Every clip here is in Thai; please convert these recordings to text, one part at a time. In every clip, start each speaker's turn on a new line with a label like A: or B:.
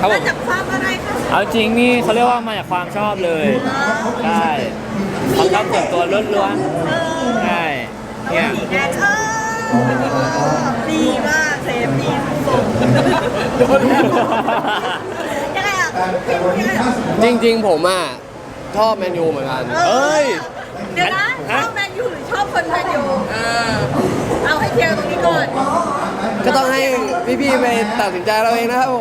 A: ครับผม
B: มาจากความอะไรคะ
A: เอาจริงนี่เขาเรียกว่ามาจากความชอบเลยใช่ความชอบส่วนตัวล้วนๆใช่เนี่ย
B: สีแดงดีมากเซฟดีสุดยังไงอ่ะ
C: จริงๆผมอ่ะชอบแมนยูเหมือนกัน
A: เอ้ย
B: เดี๋ยวนะชอบแมนยูหรือชอบคนแมนยูเอาให้เคลียร์ตรงนี้ก่อน
C: ก็ต้องให้พี่ๆไปตัดสินใจเราเองนะครับผม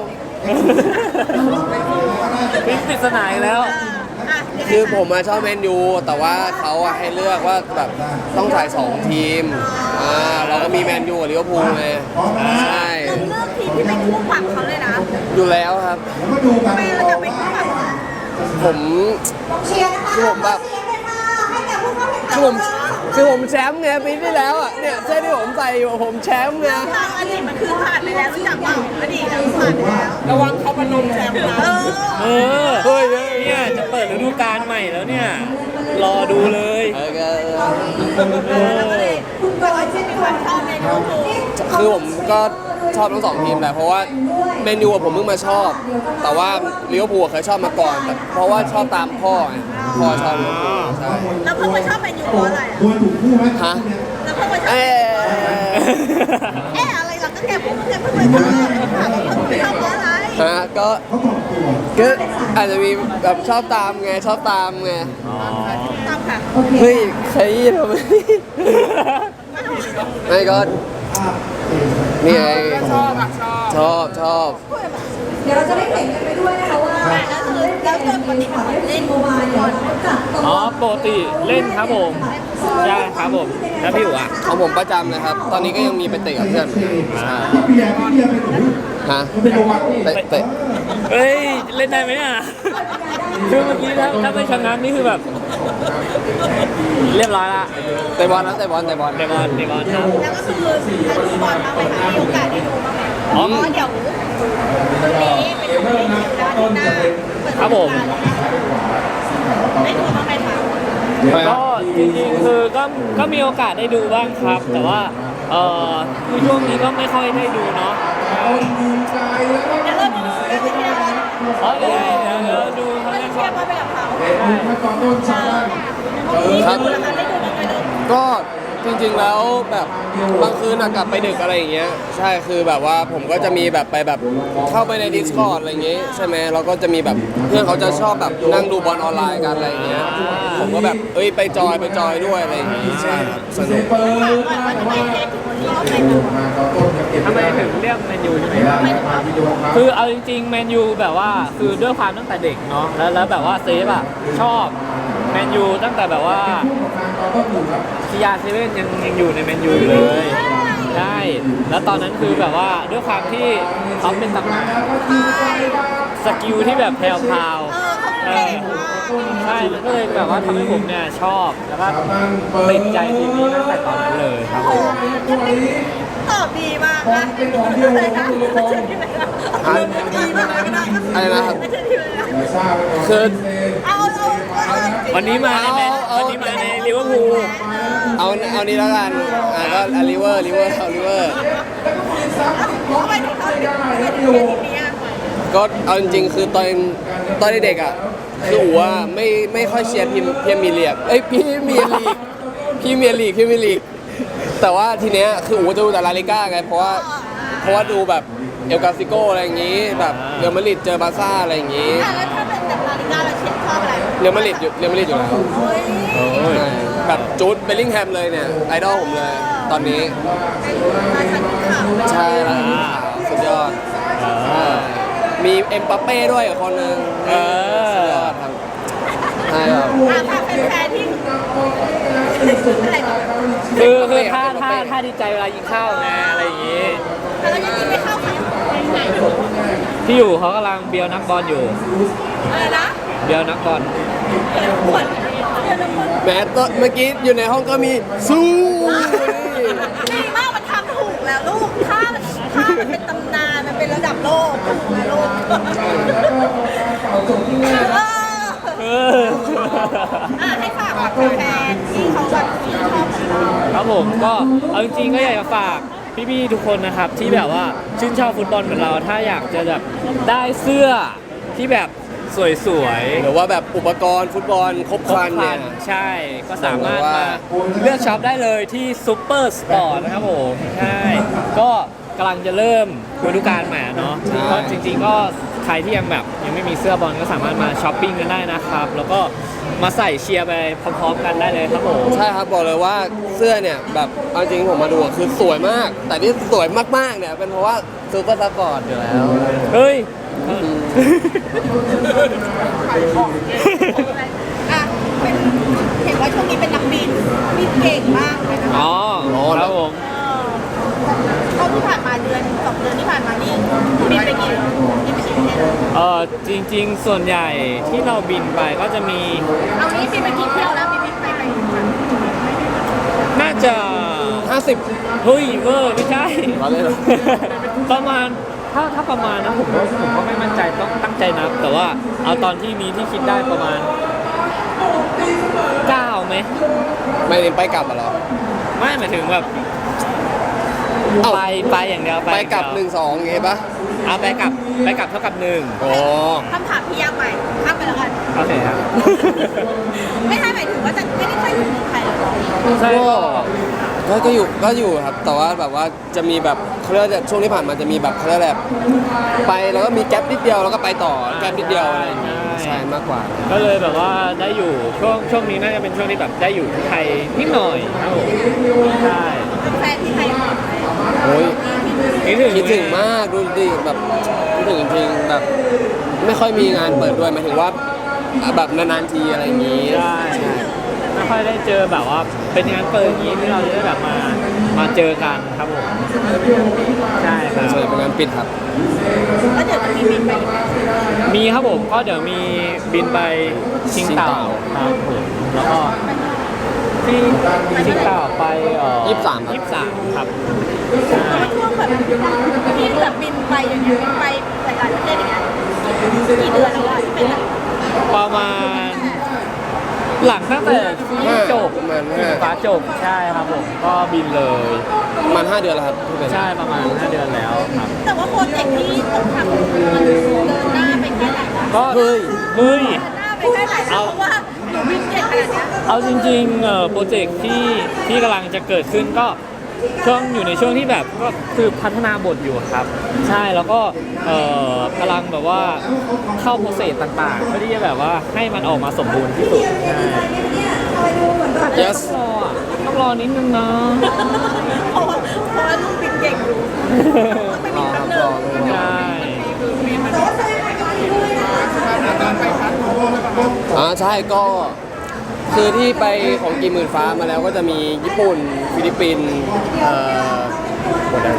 A: พิปริศนาอีกแล้ว
C: คือผมมาชอบแมนยูแต่ว่าเขาอะให้เลือกว่าแบบต้องถ่าย2ทีมเราก็มีแมนยูกับลิเวอร์พูลไงใช่
B: เราเลือกทีมที่เป็นคู่ปรับเขาเลยนะ
C: อยู่แล้วครับ
B: ทำไมเราจะเป็นคู่ปรับเขา
C: ผมคือผมแบบคือผมแชมป์ไงปีที่แล้วอ่ะเนี่ยเสื้อที่ผมใส่อยู่ผมแชมป์ไง
B: ทางอดีตมันคือผ่านไปแล้วรู้จักเปล่าอดีตเราผ่านไปแล้ว
D: ระวังเขาพนมแชมป์นะ
A: เออเนี่ยจะเปิดฤดูกาลใหม่แล้วเนี่ยรอดูเลย
B: แล้วก็เลยคุณโดยที่มีความชอบในลิเวอร์พูล
C: คือผมก็ชอบทั้ง2ทีมแหละเพราะว่าแมนยูผมเพิ่งมาชอบ แต่ว่าลิเวอร์พูลเคยชอบมาก่อนแต่เพราะว่าชอบตามพ่อไงพ่อชอบลิเวอร์พูลใช่
B: แล้วเพิ่งมาชอบแมนยูเพราะอะไรอ่ะ
C: ฮะ
B: แล้วเพิ่งมาชอบ
C: เอ๊ะ
B: อะไรล่ะก็แกเพิ่งมาชอบถามว่าเพิ่งมาชอบเพราะอะไร
C: ฮะก็อาจจะมีแบบชอบตามไงชอบตามไง
B: ตามค่ะ
C: เฮ้ยใครทำไมไม่ก็นี่ไง
D: ชอบอ่ะชอบ
C: ชอบ
E: เดี๋ยวเราจะได้เห็นกันไปด้วยนะคะว่า
B: แล้วตัวปฏิบัติเล่น
E: โมบายเนี่ยเขาจัดตัว
A: อ๋อปกติเล่นครับผมใช่ครับผมแล้วพี่อู๋อ่ะ
C: ของผมประจำเลยครับ ตอนนี้ก็ยังมีไปเตะกับเพื่อนฮะเตะ
A: เฮ้ยเล่นได้ไหมเนี่ยคือเมื่อกี้ถ้าไม่ชนะนี่คือแบบ เรียบร้อยละ
C: เตะบอลนะเตะบอล
A: เดบอลครับ
B: แล้วก็คือเราดูบอลบ้างไหมคะมีโอกาสได้ดูบ้างไหมเพราะเดี๋ยวตรงนี้เป็นของเล่นด้านหน้าได้ดูบ้างไหมคะ
A: ก็จริงๆคือก็มีโอกาสได้ดูบ้างครับ แต่ว่าคือช่วงนี้ก็ไม่ค่อยได้ดูเนาะ
B: เดี๋ยวเราไปดูกันเชียร์บอล
A: อ๋อเดี๋ยวดูเขา
B: เรา
A: เล่น
B: เชียร์บอลไปกับเขา
C: ครับ
B: ดูแล้วค่ะได้ดูบ้างไหมลูก
C: ก็จริงๆแล้วแบบบางคืนกลับไปดึกอะไรอย่างเงี้ยใช่คือแบบว่าผมก็จะมีแบบไปแบบเข้าไปใน Discord อะไรอย่างเงี้ยใช่ไหมเราก็จะมีแบบเพื่อนเขาจะชอบแบบนั่งดูบอลออนไลน์กันอะไรอย่างเงี้ยผมก็แบบไปจอยด้วยอะไรอย่างงี้ใช่ครับสนุก
B: ถามก่อนว่าทำไมเค้กถึงชอบแมนยู
A: ทำไมถึงเรียกแมนยูใช่ไหมคือเอาจริงๆแมนยูแบบว่าคือด้วยความตั้งแต่เด็กเนาะแล้วแบบว่าเซฟอะชอบแมนยูตั้งแต่แบบว่าคิยาเซเว่นยังอยู่ในแมนยูอยู่เลยใช่แล้วตอนนั้นคือแบบว่าด้วยความที่เขาเป็นตำนานสกิลที่แบบแพรวๆใช่มันก็เลยแบบว่าทำให้ผมเนี่ยชอบแล้วก็ติดใจทีมนี้ตั้งแต่ตอนนั้นเลยครับผม
B: ตอบดีมากนะเลยนะดีมากนะ
C: อะไรนะครับ
B: ไม่ใช่ทีมเลยนะ
C: คือ
B: เอา
A: วันนี้มาในวันนี้มาในลิเวอร์พูล
C: เอานี้แล้วกันก็ลิเวอร์
B: ทำไมถึงเขาถึงทีมนี้อ่ะ
C: ก็เอาจริงๆคือตอนเด็กๆอ่ะคืออู๋ว่าไม่ค่อยเชียร์ทีมพรีเมียร์ลีกพรีเมียร์ลีกแต่ว่าทีเนี้ยคืออู๋จะดูแต่ลาลิก้าไงเพราะว่าดูแบบเอลกาซิโกอะไรอย่างงี้แบบเรอัลมาดริดเจอบาร์ซ่าอะไรอย่างงี้
B: แล้วถ้าเป็นแบบลาลิก้าเราชอบอะไร
C: เรอัลมาดริดอยู่แล้ว
B: เฮ้ย
C: ใช่แบบจูดเบลลิงแฮมเลยเนี่ยไอดอลผมเลยตอนนี้
B: ราชันข่าว
C: ใช่แล้วสุดยอดมีเอ็มบัปเป้ด้วยอีกคนนึงสุดยอดครับใช่ครับ
B: ถ้าเป็นแฟนที่อะไรก่อน
A: คือถ้าดีใจเวลายิงเข้าไงอะไรอย่างงี้
B: แล้วยังยิงไม่เข้าใคร
A: ที่อยู่เขากำลังเบียวนักบอลอยู่
B: อะไรนะ
A: เบียวนักบอล
B: ขวัญเดี๋ยวนะคุณ
C: แม้ตอนเมื่อกี้อยู่ในห้องก็มีสู้
B: ดีมากมันทำถูกแล้วลูกถ้ามันเป็นตำนานมันเป็นระดับโลกถูกแล้วลูกให้ฝากกับแฟนที่เขาแบบชื่นชอบของเรา
A: ครับผมก็เอาจริงๆก็อยากจะฝากพี่ๆทุกคนนะครับที่แบบว่าชื่นชอบฟุตบอลเหมือนเราถ้าอยากจะแบบได้เสื้อที่แบบสวยๆ
C: หรือว่าแบบอุปกรณ์ฟุตบอลครบครันเนี่ย
A: ใช่ก็สามารถ
C: บอกเลยว่า
A: มาเลือกช็อปได้เลยที่ซูเปอร์สปอร์ตนะครับผมใช่ก็กำลังจะเริ่มฤดูกาลใหม่เนาะก็จริงๆก็ใครที่ยังแบบยังไม่มีเสื้อบอลก็สามารถมาช้อปปิ้งกันได้นะครับ แล้วก็มาใส่เชียร์ไปพร้อมๆกันได้เลยครับผม
C: ใช่ครับบอกเลยว่าเสื้อเนี่ยแบบเอาจริงผมมาดูอะคือสวยมาก แต่ที่สวยมากๆเนี่ยเป็นเพราะว่าซูเปอร์สปอร์ตอยู่แล้ว
A: เฮ้ย
B: อ่ะเป็นเห็นว่าช่วงนี้เป็นนักบินเก่งมากเลยนะ
A: อ๋อครับผม
B: เท่าที่ผ่านมาเดือน2 เดือนที่ผ่านมานี่บินไปกี่ประเทศ
A: จริงๆ ส่วนใหญ่ที่เราบินไปก็จะมี
B: เอานี้บินไปกี่เที่ยวแล้วบินไป
A: น่าจะ
C: 50
A: เฮ้ยเวอร์ไม่ใช่
C: เราเล่นเหรอ
A: ประมาณถ้าประมาณนะผมก็ไม่มั่นใจต้องตั้งใจนับ แต่ว่าเอาตอนที่นี้ที่คิดได้ประมาณ9ไหม
C: ไม่ได้ไปกลับอะเหรอ
A: ไม่หมายถึงแบบ
C: เอ้า
A: ไปอย่างเดียว
C: ไปกลับ
A: อย่างเดียว
C: 1-2อย่างงี้ปะ
A: เอาไปกลับเท่ากับ1
C: โอ้
B: คำถามพี่ยากไปข้ามไปแล้วกัน
A: โอเคครับ
B: ไม่ใช่หมายถึงว่าจะไม่ได้ค่อยอยู่เมืองไทยหรอ
A: ใช่
C: ก็อยู่ครับ แต่ว่าแบบว่าจะมีแบบเขาเรียกว่าช่วงที่ผ่านมาจะมีแบบเขาเรียกอะไรแบบไปแล้วก็มีแก๊ปนิดเดียวแล้วก็ไปต่อแก๊ปนิดเดียวอะไรอย่างงี้ใช่มากกว่า
A: ก็เลยแบบว่าได้อยู่ช่วงนี้น่าจะเป็นช่วงที่แบบได้อยู่ที่ไทยนิดหน่อยครับผมใช่
B: แฟนที่ไทยหมดเลย
C: โอ้ย
A: คิดถึง
C: มากดูดิแบบคิดถึงจริงๆแบบไม่ค่อยมีงานเปิดด้วยหมายถึงว่าแบบนานๆทีอะไรอย่างงี้
A: ใช่ไม่ค่อยได้เจอแบบว่าเป็นงานเปิดอย่างนี้ที่เราจะได้แบบมาเจอกันครับผมใช่ครับ
C: ส่วนใหญ่เป็นงานปิดครับ
B: แล้วเดี๋ยวจะมีบินไปอีกไหม
A: มีครับผมก็เดี๋ยวมีบินไปชิงเต่าครับผมแล้วก็ที่ชิงเต่าไป
C: 23
A: 23ครับใช่
B: ช่วงแบบที่แบบบินไปอย่างเงี้ยบินไปหลายๆประเทศอย่างเงี้ยกี่เดือนแล้วอะที่เป็นแบบ
A: ประมาณหลังตั้งแต่ที่จบ
C: ประมาณ
A: ที่ฟ้าจบใช่ครับผมก็บินเลย
C: ประมาณ5 เดือนแล้วครับที่เป็น
A: ใช่ประมาณ5 เดือนแล้วครับ
B: แต่ว่าโปรเจกต์ที่ต้องทำมันเดินหน้าไปแค่ไหนวะ
A: ก็
C: เฮ้ย
A: เฮ้ย
B: เดินหน้าไปแค่ไหนแล้วเพราะว่าหนูบินเก่งขนาดเนี้ย
A: เอาจริงๆโปรเจกต์ที่กำลังจะเกิดขึ้นก็อยู่ในช่วงที่แบบก็คือพัฒนาบทอยู่ครับ ใช่แล้วก็กำลังแบบว่าเข้าโปรเซสต่างๆเพื่อที่จะแบบว่าให้มันออกมาสมบูรณ์ที่สุดใช่
C: yes
A: ต้องรอนิดนึงนะ
B: เพราะว่าหนูบินเก่งอยู่ต้องไปบินแป๊บนึง
A: ใช่
C: ใช่ก็คือที่ไปของกี่หมื่นฟ้ามาแล้วก็จะมีญี่ปุ่นฟิลิปปินส์หมดแล้ว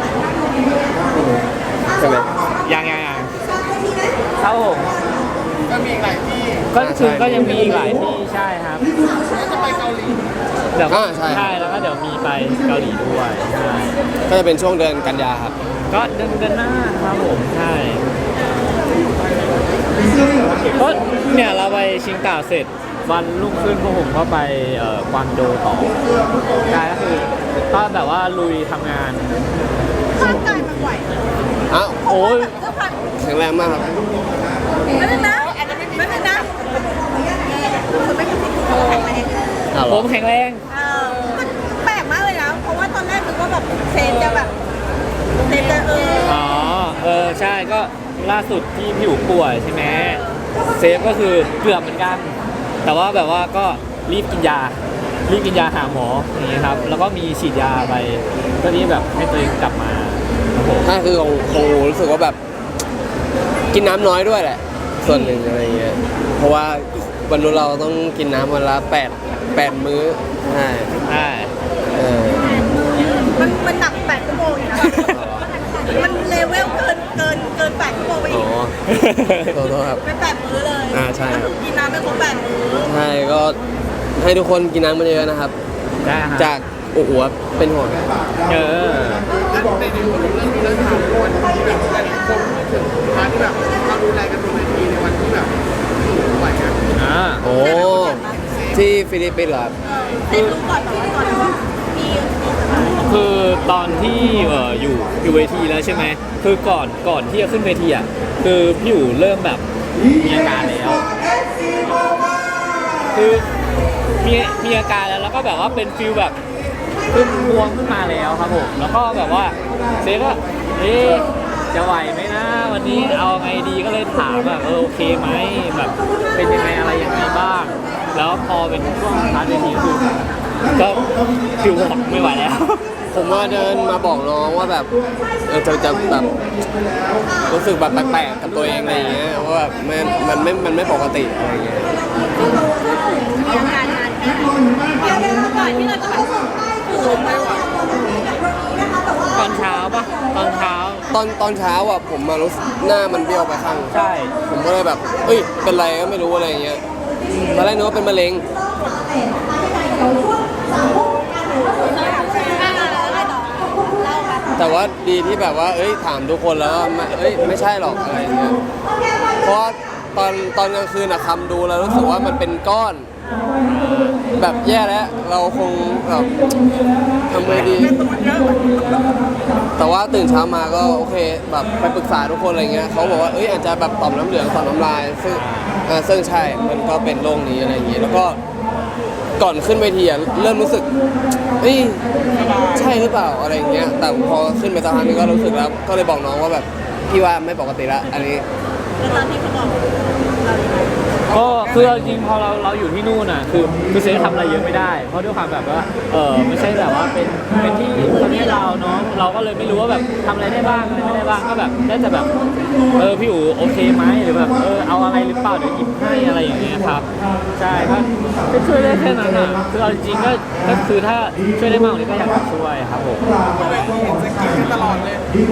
C: ใช่ไหม
A: ยังครับผม
D: ก็มีอีกหลายที่
A: ก็คือ
C: ใช่
A: ก็ยังมีอีกหลายที่ใช่ครับ
D: แล้วจะไปเกาหลี
A: เดี๋ยว
C: ใช่
A: ใช่แล้วก็เดี๋ยวมีไปเกาหลีด้วยใช่
C: ก็จะเป็นช่วงเดือนกันยาครับ
A: ก็เดือนหน้าครับผมใช่ก็เนี่ยเราไปชิงเต่าเสร็จวันรุ่งขึ้นพวกผมก็ไปกวางโจวต่อใช่ก็คือก็แบบว่าลุยทำงาน
B: ร่างกายมันไหว
C: อ้าว
A: โอ้ย
B: เสื้อผ้า
C: แข็งแรงมากครับ
B: ไม่เป็นนะไม่เป็นนะคือไม่เป็นที่ถูกแข็งแรง
A: ผมแข็งแรง
B: มันแปลกมากเลยนะ เพราะว่าตอนแรกนึกว่าแบบเซนจะแบบเซนจะ
A: อ๋อใช่ก็ล่าสุดที่พี่อู๋ป่วยใช่ไหมเซฟก็คือเกือบเหมือนกัน แต่ว่าแบบว่าก็รีบกินยาหาหมออย่างนี้ครับแล้วก็มีฉีดยาไปเพื่อที่แบบให้ตัวเองกลับมาครับผม
C: ถ้าคือของหนูรู้สึกว่าแบบกินน้ำน้อยด้วยแหละ ส่วนหนึ่งอะไรเงี้ยเพราะว่าวันนู้นเราต้องกินน้ำวันละ8 มื้อใช่
A: ใช่
C: เออ
B: มันหนัก8 ชั่วโมงอยู่นะมันเลเวลเกิน8 ชั่วโมงไปอี
C: อ๋อก โทษครับ
B: ไป8 มื้อเลย
C: ใช่ครับ
B: กินน้ำไม่ครบ8 มื้อ
C: ใช่ก็ให้ทุกคนกินน้ำมาเยอะนะครับ
A: ได้ครับ
C: จากโอ้โหเป็นห่วง
A: เออ
D: ในพูดถึงเรื่องนี้เรื่องถามคนที่แบบหลายๆคนพูดถึงพาร์ทที่แบบเราดูแลกันบนเวทีในวันที่แบบไหวอะ
C: โอ้ที่ฟิลิปปินส์เหรอครับ
B: เซนรู้ก่อนแบบว่าก่อนว่ามี
A: คือตอนที่อยู่เวทีแล้วใช่ไหมคือก่อนที่จะขึ้นเวทีอ่ะคือพี่อยู่เริ่มแบบมีอาการแล้ว คือมีอาการแล้วก็แบบว่าเป็นฟิลแบบขึ้นบวมขึ้นมาแล้วครับผมแล้วก็แบบว่าเซก็จะไหวไหมนะวันนี้เอาไงดีก็เลยถามแบบโอเคไหมแบบเป็นยังไงอะไรยังไงบ้าง แล้วพอเป็นช่วงพาร์ทนี้คือก็ฟิลบอกไม่ไหวแล้ว
C: ผมว่าเดินมาบอกน้องว่าแบบจะแบบรู้สึกแบบแปลกๆกับตัวเองอะไรอย่างเงี้ยว่าแบบมันไม่ปกติอะไรอย่างเงี้ย
B: มีอาการนานแค่ไหนเดี๋ยวก่อนที่เราจะแบบสูงไม่ไหว
A: ตอนเช้าปะตอนเช้า
C: ตอนเช้าอ่ะผมมารู้สึกหน้ามันเบี้ยวไปข้าง
A: ใช่
C: ผมก็เลยแบบเอ้ยเป็นไรก็ไม่รู้อะไรอย่างเงี้ยตอนแรกนึกว่าเป็นมะเร็ง แต่ว่าดีที่แบบว่าถามทุกคนแล้วว่าไม่ใช่หรอกอะไรอย่างเงี้ยเพราะว่าตอนกลางคืนอะคำดูแล้วรู้สึกว่ามันเป็นก้อน แบบแย่แล้วเราคงแบบทำไงดี แต่ว่าตื่นเช้ามาก็โอเคแบบไปปรึกษาทุกคนอะไรเงี้ยเขาบอกว่าอาจจะแบบต่อมน้ำเหลืองต่อมน้ำลายซึ่งใช่มันก็เป็นโรคนี้อะไรอย่างเงี้ยแล้วก็ก่อนขึ้นเวทีอะเริ่มรู้สึกใช่หรือเปล่าอะไรอย่างเงี้ยแต่พอขึ้นไปสักพักนึงก็รู้สึกแล้วก็เลยบอกน้องว่าแบบพี่ว่าไม่ปกติละอันนี้
B: แล้วตอนที่เขาบอก
A: ก็คือจริงพอเราอยู่ที่นู่นน่ะคือเซฟทำอะไรเยอะไม่ได้เพราะด้วยความแบบว่าไม่ใช่แบบว่าเป็นที่ประเทศเราเนาะเราก็เลยไม่รู้ว่าแบบทำอะไรได้บ้างอะไรไม่ได้บ้างก็แบบได้แต่แบบพี่อู๋โอเคไหมหรือแบบเอาอะไรหรือเปล่าเดี๋ยวหยิบให้อะไรอย่างเงี้ยครับใช่ก็ช่วยได้แค่นั้นอ่ะคือเอาจริงๆก็คือถ้าช่วยได้มากกว่านี้ก็อยากจะช่วยครับผม
D: จะกินกันตลอดเลย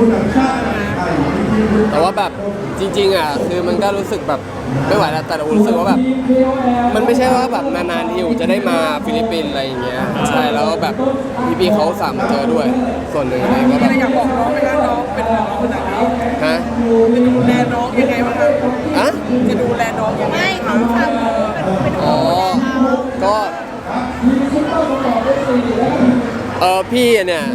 C: แต่ว่าแบบจริงๆอ่ะคือมันก็รู้สึกแบบไม่ไหวแล้วแต่เรารู้สึกว่าแบบมันไม่ใช่ว่าแบบนานๆทีอูจะได้มาฟิลิปปินส์อะไรอย่างเงี้ยใช่แล้วก็แบบพี่ๆเขาสามมาเจอด้วยส่วนหนึ่งอะไรก็แบบ
D: อยากบอกน้องไหมคะน้องเป็นน้องขนาดนี้
C: ฮะ
D: จะดูแลน้องยังไงบ้างครับ
C: อะ
D: จะดูแลน้องยังไง
B: ไม่เขาทำเป็น
C: อ๋อก็พี่เนี่ย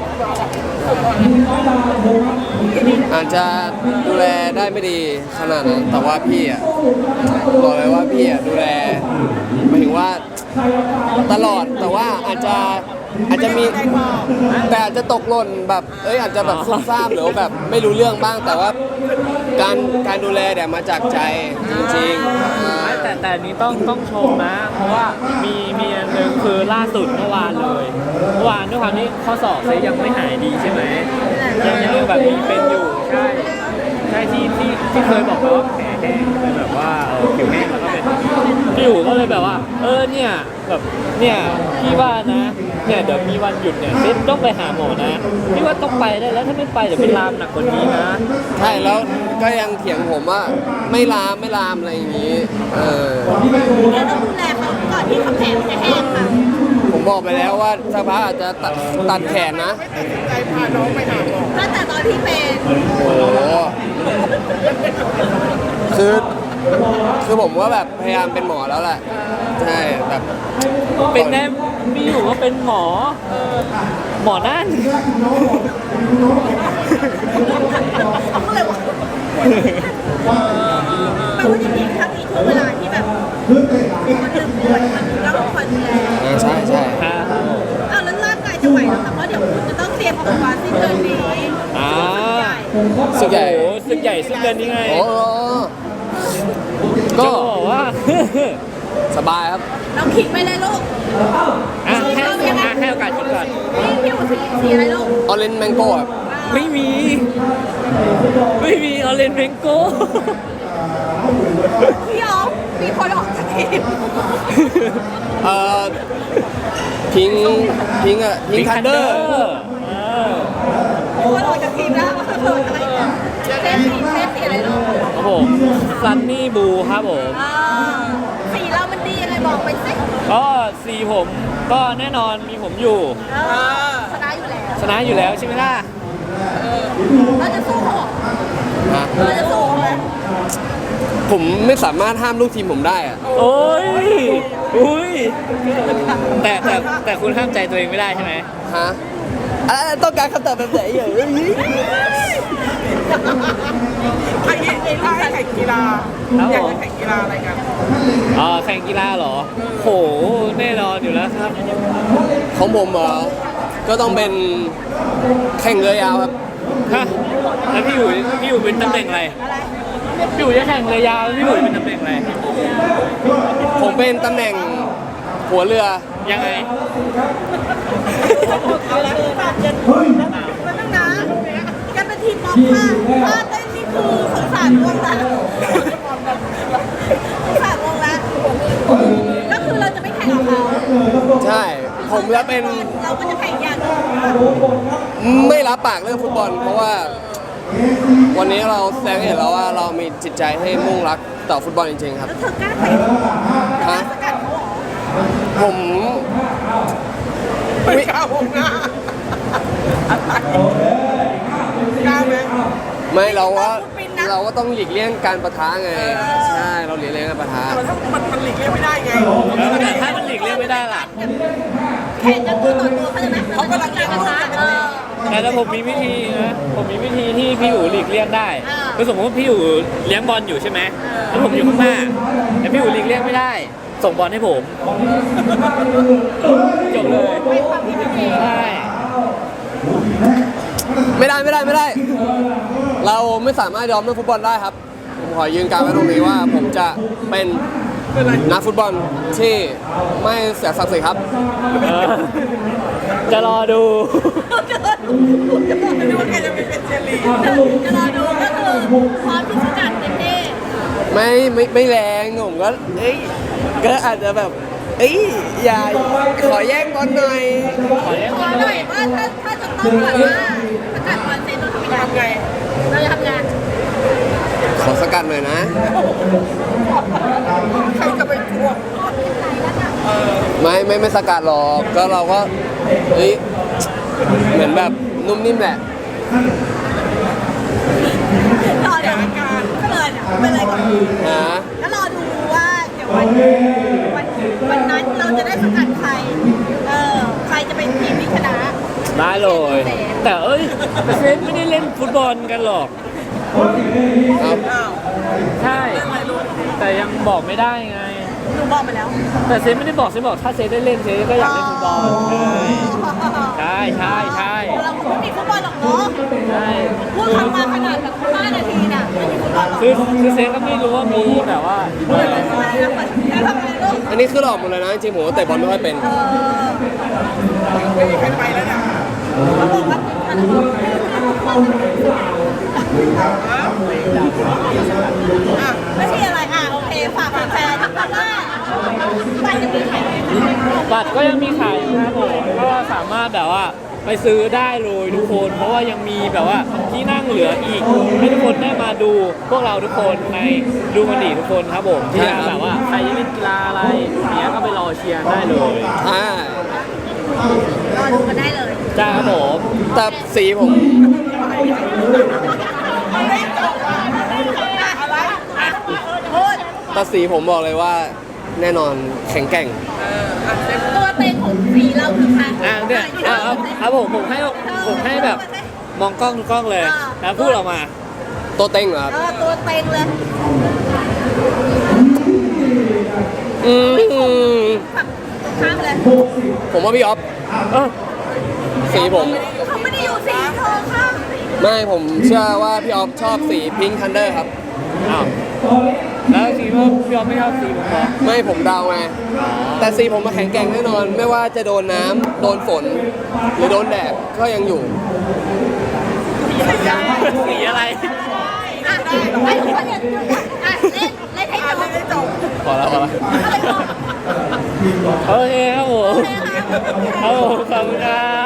C: อาจจะดูแลได้ไม่ดีขนาดนั้นแต่ว่าพี่อ่ะบอกเลยว่าพี่อ่ะดูแลหมายถึงว่าตลอดแต่ว่าอาจจะมีแต่อาจจะตกหล่นแบบอาจจะแบบซุ่มซ่ามหรือว่าแบบไม่รู้เรื่องบ้างแต่ว่าการดูแลเนี่ยมาจากใจจริงๆ
A: แต่อันนี้ต้องชมนะ เพราะว่ามีอันหนึ่งคือล่าสุดเมื่อวานเลยเมื่อวานด้วยความที่ข้อศอกเซยังไม่หายดีใช่ไหมยังแบบมีเป็นอยู่ใช่ที่เคยบอกไปว่าแผลแห้งเป็นแบบว่าผิวแห้งแล้วก็เป็นพี่อยู่ก็เลยแบบว่าเนี่ยแบบเนี่ยพี่ว่านะเนี่ยเดี๋ยวมีวันหยุดเนี่ยเซต้องไปหาหมอนะพี่ว่าต้องไปได้แล้วถ้าไม่ไปเดี๋ยวเป็นลามหนักกว่านี้นะ
C: ใช่แล้วก็ยังเถียงผมว่าไม่ลามอะไรอย่างนี้
B: แล้วต้องดูแลเขาก่อนที่เขาแผลจะแห้งค่ะ
C: ผมบอกไปแล้วว่าสักพักอาจจะตัดแขนนะ
D: ใจพาน้องไปหาหมอ
B: ตั้งแต่ตอนที่เป็น
C: โอ้โหคือผมว่าแบบพยายามเป็นหมอแล้วแหละใช่แบบ
A: เป็นแน่พี่อยู่ก็เป็นหมอนั่น
B: เขาก็เลยว่าแปลว่าจริงๆถ้ามีช่วงเวลาที่แบบมันลืมป่วยมันต้องคอยดูแล
C: ใช่
B: อ้าวแล้วร่างกายจะไหวเหรอคะเพราะเดี๋ยวคุณจะต้องเตรียมตัวสิ้นเดือนนี้
C: สุดใหญ่
A: โอ้สึกใหญ่ซึ่งเดือนนี้ไง
C: โอ้
A: ก็
C: ก็
A: บอกว่า
C: สบายครับ
B: เราขิงไปเลยลูก
A: ให้โอกาสคิดก่อน
B: พี่หัวสีอะไรลูก
C: ออเรนจ์แมงโก้ครับ
A: ไม่มีออเรนเมงโก้
B: พี่อ๋อมีคนออกจากทีม
C: พิงคันเดอร์
B: มีคนออกจากทีมแล้วว่าเกิดอะไรเนี่ยเซฟสีอะไรลูก
A: ครับผมซันนี่บูครับผม
B: สีเรามันดียังไงบอกไปสิ
A: ก็สีผมก็แน่นอนมีผมอยู่
B: ชนะอยู่แล้ว
A: ชนะอยู่แล้วใช่ไหมล่ะ
B: เราจะสู้เขา
C: ฮะ
B: เราจะสู้เขาไหม
C: ผมไม่สามารถห้ามลูกทีมผมได้อะ
A: โอ้ยอุ้ยแต่คุณห้ามใจตัวเองไม่ได้ใช่ไหม
C: ฮะต้องการคำตอบแบบไหนอย่างนี้
D: ถ้าให้แข่งกีฬาอยากจะแข่งกีฬาอะไรกัน
A: แข่งกีฬาเหรอโหแน่นอนอยู่แล้วครับ
C: ของผมเหรอก็ต้องเป็นแข่งเรือยาวครับ
A: ฮะแล้วพี่อยู่เป็นตำแหน่งอะไรพี่อยู่จะแข่งเรือยาวพี่อยู่เป็นตำแหน่งอะไร
C: ผมเป็นตำแหน่งหัวเรือ
A: ยังไง
B: เอาละคือแบบจะมันต้องนะกันเป็นทีมป๊อปค่ะถ้าเต้นนี่คือสงสารวงละสงสารวงละก็คือเราจะไม่แข่งกับเขา
C: ใช่ผมจะเป็น
B: เราก็จะแข่งอย่างอื่น
C: ไม่รับปากเรื่องฟุตบอล เพราะว่าวันนี้เราแสดงให้เห็นแล้วว่าเรามีจิตใจให้มุ่งรักต่อฟุตบอลจริงๆครับ
B: แล้วเธอกล้าเตะกล้าสกัดเขาเหรอ
C: ผม
D: ไม่กล้าวงหน้าอะไรกล้าไหม
C: ไม่เราก็ต้องหลีกเลี่ยงการประทะไงใช่เราหลีกเลี่ยงการประทะ
D: แต่ถ้ามันหลีกเลี่ยงไม่ได้ไง
A: แล้วถ้ามันหลีกเลี่ยงไม่ได้ล่ะ
B: แข่งกันตัวต่อตัวเขาจะนะเขากำลังจะกระทะ
A: แต่ผมมีวิธีนะผมมีวิธีที่พี่อยู่หลีกเลี่ยงได้คือสมมติว่าพี่อยู่เลี้ยงบอลอยู่ใช่ไหมแล้วผมอยู่ข้างหน้าแต่พี่อยู่หลีกเลี่ยงไม่ได้ ส่งบอลให้ผมจบเลย
B: ไม่ความคิดเอง
A: ใช่
C: ไม่ได้ เราไม่สามารถยอมเรื่องฟุตบอลได้ครับ ผมขอยืนการไว้ตรงนี้ว่าผมจะเป็นนักฟุตบอลที่ไม่เสียศักดิ์ศรีครับ
A: จะรอดู
D: ไม่รู้ว่าแกจะไปเป็นเชยร์ลีด
B: จะรอดูก็คือพร้อมที่สกัดเต็มที่
C: ไม่แรงผมก็ก็อาจจะแบบอย่าขอแย่งบอลหน่อย
A: ขอเลี้ยง
B: ข
A: บ
B: อ
A: อล
B: ห
A: ห
B: น่
A: น่
B: อ
A: อย ย
B: ว่าถ้าจะต้องแบบว่าสกัดบอลเซนเราทำยังไง
D: ทำไง
B: เราจะทำงาน
C: ขอสกัดหน่อยนะ
D: ใครจะไปกลัว
C: ไม่สกัดหรอกก็เราก็เหมือนแบบนุ่มนิ่มแหละ
B: รอเดี๋ยวก็เลยเนี่ยเป็นอะไรก่อน
C: นะ
B: ก็รอดูว่าเดี๋ยววันนั้นเราจะได้สกัดใครใครจะเป็นทีมที่ชนะ
A: ได้เลย แต่เซนไม่ได้เล่นฟุตบอลกันหรอก
C: ครับ
D: อ้าว
A: ใช่ แต่ยังบอกไม่ได้ไง
B: หนูบอกไปแล้ว
A: แต่เซนไม่ได้บอกเซนบอกถ้าเซนได้เล่นเซนก็อยากเล่นฟุตบอลใช่ใช่
B: เราคงไม่มีฟุตบอลหรอกเนาะ
A: ใช่
B: พูดคำมาขนาดแบบ5 นาทีน่ะไม่มีฟุตบอลหรอก
A: คือเซนก็ไม่รู้ว่ามีแบบว่า
B: เปิดเลยทำไมนะเปิดแล้วทำไมลูก
C: อันนี้คือหลอกหมดเลยนะจริงๆผมก็เตะบอลไม่ค่อยเป็น
D: ไม่มีใครไปแล้วนะ
B: เขาบอกว่ามันไม่ใช่อะไรโอเคฝากแฟนๆว่าไปจะมีแข่ง
A: บัตรก็ยังมีขายอยู่ครับผมก็สามารถแบบว่าไปซื้อได้เลยทุกคน เพราะว่ายังมีแบบว่าที่นั่งเหลืออีกให้ทุกคนได้มาดูพวกเราทุกคนในดูมันดีทุกคนครับผมที่จะแบบว่าใครจะเล่นกีฬาอะไรเนี้ยก็ไปรอเชียร์ได้เลย
B: รอดูกันได้เลย
A: จ้าครับผม
C: แต่สีผม
B: อะไรพูด
C: แต่สีผมบอกเลยว่าแน่นอนแข็งแกร่ง
B: ตัวเต็งของสีเราคือใคร
A: เนี่ยเอาผมให้แบบมองกล้องทุกกล้องเลยแล้วพูดออกมา
C: ตัวเต็งเหรอครับ
B: ตัวเต็งเลย ฝั่งข้ามเลย
C: ผมว่าพี่ออฟสีผม
B: เขาไม่ได้อยู่สีเธอค่ะ
C: ไม่ผมเชื่อว่าพี่ออฟชอบสีพิงค์ทันเดอร์ครับ
A: อ้าวแล้วสีว่าพี่ออฟไม่ชอบสีผมเหรอ
C: ไม่ผมเดาไงแต่สีผมมาแข็งแกร่งแน่นอน ไม่ว่าจะโดนน้ำโดนฝน หรือโดนแดดก็ยังอยู่
A: สีอะไร
B: ให้ทุกคนเล่นให้จบ
A: พอแล้วโอเคครับผมครับผมขอบคุณครับ